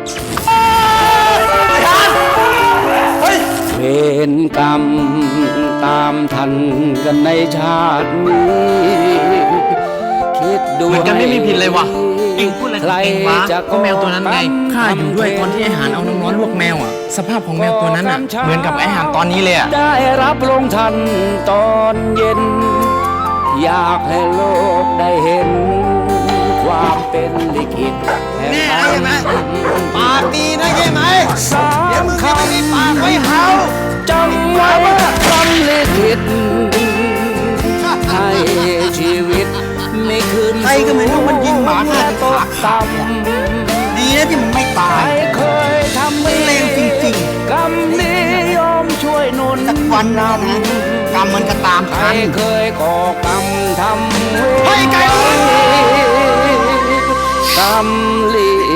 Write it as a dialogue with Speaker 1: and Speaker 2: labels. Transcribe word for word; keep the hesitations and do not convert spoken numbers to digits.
Speaker 1: เวรกรรมตามทันกันในชาตินี้คิดดู
Speaker 2: เหมือนกันไม่มีผิดเลยวะเองพูดอะไรของเองวะก็แมวตัวนั้นไงข้าอยู่ด้วยตอนที่ไอ้หานเอาน้ำร้อนลวกแมวอ่ะสภาพของแมวตัวนั้นอ่ะเหมือนกับไอ้หานตอนนี้เลยอ่ะ
Speaker 1: ได้รับลงทันตอนเย็นอยากให้โลกได้เห็นความเป็นลิขิตแน่ใช่ไหมปากดีนะใช่ไหมสามคำปากไม่เฮาจำไว้คำลิขิตให้ชีวิตไม่คืนใครก็ไม่รู้มันยิงหมาฆ่าตกต่ำดีนะที่มันไม่ตายเคยทำไม่เลวจริงๆกรรมนี้ยอมช่วยหนุนสักวันนะกรรมมันก็ตามทันเคยก่อกรรมทำให้ไกลกรรมลิ